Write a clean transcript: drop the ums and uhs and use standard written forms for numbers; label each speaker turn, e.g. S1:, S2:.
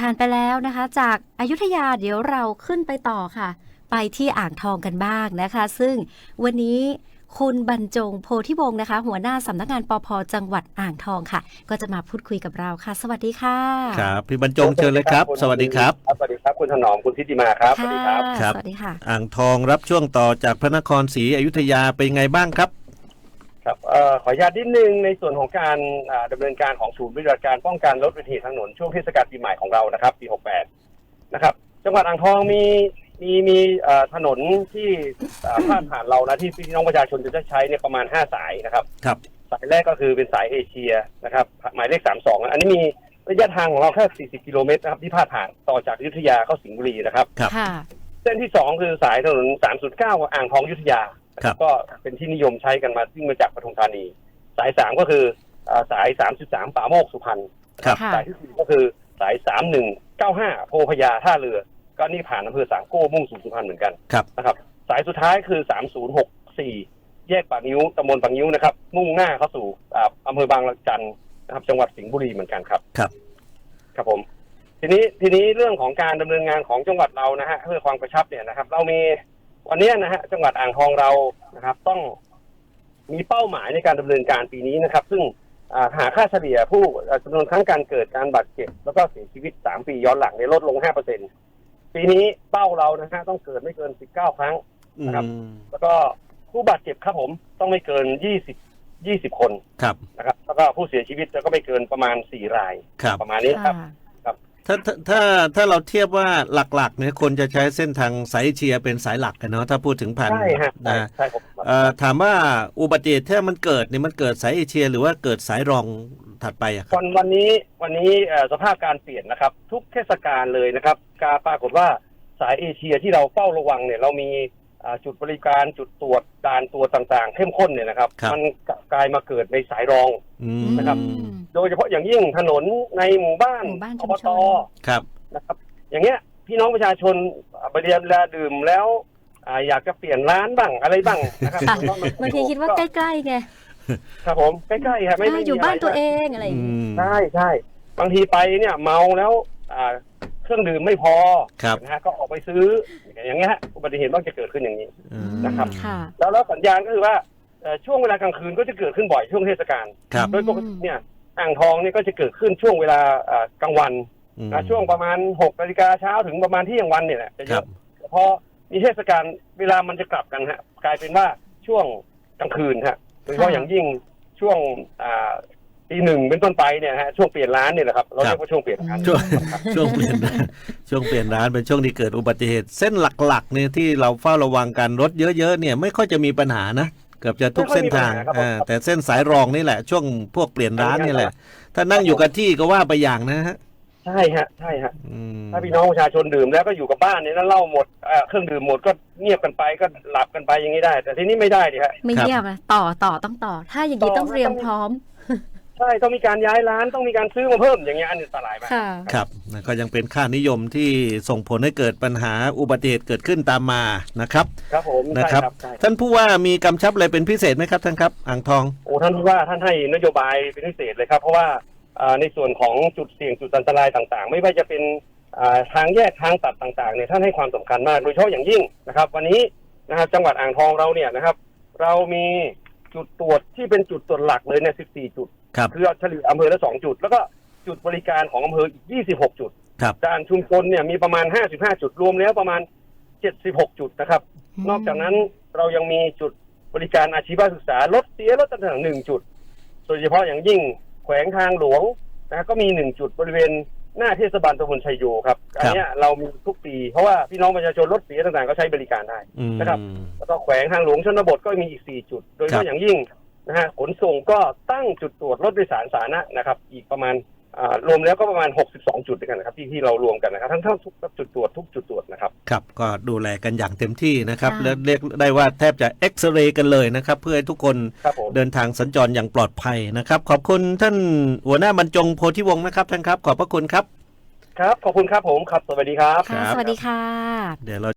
S1: ผ่านไปแล้วนะคะจากอยุธยาเดี๋ยวเราขึ้นไปต่อค่ะไปที่อ่างทองกันบ้างนะคะซึ่งวันนี้คุณบรรจงโพธิวงศ์นะคะหัวหน้าสำนักงานปภ.จังหวัดอ่างทองค่ะก็จะมาพูดคุยกับเราค่ะสวัสดีค่ะ
S2: ครับพี่บรรจงเชิญเลยครับสวัสดีครับ
S3: สวัสดีครับคุณถนอมคุณทิติมาครับสวัสดีครับ
S1: สวัสดีค่ะ
S2: อ่างทองรับช่วงต่อจากพระนครศรีอยุธยาเป็นไงบ้างครับ
S3: ครับขออนุญาตนิดนึงในส่วนของการดำเนินการของศูนย์ปฏิบัติการป้องกันลดอุบัติเหตุทางถนนช่วงเทศกาลปีใหม่ของเรานะครับปี68นะครับจังหวัดอ่างทองมีถนนที่พาดผ่านเรานะที่พี่น้องประชาชนจะใช้เนี่ยประมาณ5สายนะครับ
S2: ครับ
S3: สายแรกก็คือเป็นสายเอเชียนะครับหมายเลข32อันนี้มีระยะทางของเราแค่40กิโลเมตรนะครับที่พาดผ่านต่อจากอยุธยาเข้าสิงห์บุรีนะครับเส้นที่2คือสายถนน309อ่างทองอยุธยาก็เป็นที่นิยมใช้กันมาวิ่งมาจากปทุมธานีสาย3ก็คือสาย33ป่าโมกสุพรรณสายที่4ก็คือสาย3195โพพญาท่าเรือก็นี่ผ่านอำเภอสามโก้มุ่งสู่สุพรรณเหมือนกันนะครับสายสุดท้ายคือ3064แยกปากนิ้วตำบลปากนิ้วนะครับมุ่งหน้าเข้าสู่อำเภอบางละจันนะครับจังหวัดสิงห์บุรีเหมือนกันครับครับผมทีนี้เรื่องของการดำเนินงานของจังหวัดเรานะฮะเพื่อความกระชับเนี่ยนะครับเรามีวันนี้นะฮะจังหวัดอ่างทองเรานะครับต้องมีเป้าหมายในการดำเนินการปีนี้นะครับซึ่งหาค่าเฉลี่ยผู้จำนวนครั้งการเกิดการบาดเจ็บแล้วก็เสียชีวิต3ปีย้อนหลังในลดลง 5%ปีนี้เป้าเรานะฮะต้องเกิดไม่เกิน19ครั้งนะครับแล้วก็ผู้บาดเจ็บครับผมต้องไม่เกิน20คนนะครับแล้วก็ผู้เสียชีวิตก็ไม่เกินประมาณ4รายประมาณนี้ครับ
S2: ถ้าเราเทียบว่าหลักๆเนี่ยคนจะใช้เส้นทางสายเอเชียเป็นสายหลักกันเนาะถ้าพูดถึงผ่าน
S3: ใช่ครับ
S2: ถามว่าอุบัติเหตุถ้ามันเกิดเนี่ยมันเกิดสายเอเชียหรือว่าเกิดสายรองถัดไปอะครับ
S3: วันนี้สภาพการเปลี่ยนนะครับทุกเทศกาลเลยนะครับการปรากฏว่าสายเอเชียที่เราเฝ้าระวังเนี่ยเรามีจุดบริการจุดตรวจด่านตรวจต่างๆเข้มข้นเนี่ยนะครับมันกลายมาเกิดในสายรองนะครับโดยเฉพาะอย่างยิ่งถนนในหมู่บ้านอบตนะครับอย่างเงี้ยพี่น้องประชาชนไปเรียนเวลาดื่มแล้วอยากจะเปลี่ยนร้านบ้างอะไรบ้างนะครับ
S1: บางทีคิดว่าใกล้ๆไง
S3: ครับผมใกล้ๆครับไม่
S1: อยู่บ้านตัวเองอะไรอย่าง
S3: งี้ใช่บางทีไปเนี่ยเมาแล้วเครื่องดื่มไม่พอนะฮะก็ออกไปซื้ออย่างเงี้ยอุบัติเหตุมักจะเกิดขึ้นอย่างนี้นะครับแล้วสัญญาณก็คือว่าช่วงเวลากลางคืนก็จะเกิดขึ้นบ่อยช่วงเทศกาลโดยปกติเนี่ยอ่างทองเนี่ยก็จะเกิดขึ้นช่วงเวลากลางวันช่วงประมาณ6 นาฬิกาเช้าถึงประมาณเที่ยงวันเนี่ยแหละจะเยอะพอมีเทศกาลเวลามันจะกลับกันฮะกลายเป็นว่าช่วงกลางคืนฮะโดยเฉพาะอย่างยิ่งช่วงตี 1เป็นต้นไปเนี่ยฮะช่วงเปลี่ยนร้านเนี่ยแหละครับเราเรียกว่าช่วงเปลี่ยนร้าน
S2: ช่วงเปลี่ยนร้านเป็นช่วงที่เกิดอุบัติเหตุเส้นหลักๆเนี่ยที่เราเฝ้าระวังกันรถเยอะๆเนี่ยไม่ค่อยจะมีปัญหานะเกือบจะทุกเส้นทางแต่เส้นสายรองนี่แหละช่วงพวกเปลี่ยนร้านนี่แหละถ้านั่งอยู่กับที่ก็ว่าไปอย่างนะฮะ
S3: ใช่ฮะถ้าพี่น้องประชาชนดื่มแล้วก็อยู่กับบ้านเนี่ยแล้วเหล้าหมดเครื่องดื่มหมดก็เงียบกันไปก็หลับกันไปอย่างนี้ได้แต่ทีนี้ไม่ได้ดิฮะ
S1: ไม่เงียบนะต่อต้องต่อถ้าอย่างนี้ต้องเตรียมพร้อม
S3: ใช่ต้องมีการย้ายร้านต้องมีการซื้อมาเพิ่มอย่างเงี้ยอันตรายมาก
S2: ครับก็ยังเป็นค่านิยมที่ส่งผลให้เกิดปัญหาอุบัติเหตุเกิดขึ้นตามมานะครับ
S3: ครับผม
S2: นะครับท่านผู้ว่ามีกำชับอะไรเป็นพิเศษไหมครับท่านครับอ่างทอง
S3: ท่านผู้ว่าท่านให้นโยบายเป็นพิเศษเลยครับเพราะว่าในส่วนของจุดเสี่ยงจุดอันตรายต่างๆไม่ว่าจะเป็นทางแยกทางตัดต่างๆเนี่ยท่านให้ความสำคัญมากโดยเฉพาะอย่างยิ่งนะครับวันนี้นะครับจังหวัดอ่างทองเราเนี่ยนะครับเรามีจุดตรวจที่เป็นจุดตรวจหลักเลยเนี่ย14 จุดคือเฉลี่ยอำเภอละ2 จุดแล้วก็จุดบริการของอำเภออีก26 จุดด่านชุมชนเนี่ยมีประมาณ55 จุดรวมแล้วประมาณ76 จุดนะครับนอกจากนั้นเรายังมีจุดบริการอาชีวศึกษารถต่างๆ1 จุดโดยเฉพาะอย่างยิ่งแขวงทางหลวงนะก็มี1 จุดบริเวณหน้าเทศบาลตำบลชัยโยครับอันนี้เรามีทุกปีเพราะว่าพี่น้องประชาชนรถเสียต่างๆก็ใช้บริการได้นะครับแล้วก็แขวงทางหลวงชนบทก็มีอีก4 จุดโดยเฉพาะอย่างยิ่งนะฮะขนส่งก็ตั้งจุดตรวจรถโดยสารสาธารณะนะครับอีกประมาณรวมแล้วก็ประมาณ62 จุดด้วยกันนะครับที่เรารวมกันนะครับทั้งทุกจุดตรวจทุกจุดตรวจนะครับ
S2: ครับก็ดูแลกันอย่างเต็มที่นะครับและเรียกได้ว่าแทบจะเอ็กซเรย์กันเลยนะครับเพื่อให้ทุกคนเดินทางสัญจรอย่างปลอดภัยนะครับขอบคุณท่านหัวหน้าบรรจงโพธิวงศ์นะครับท่านครับขอบพระคุณครับ
S3: ครับขอบคุณครับผมครับสวัสดีครับ
S1: สวัสดีค่ะ
S2: เดี๋ยวเรา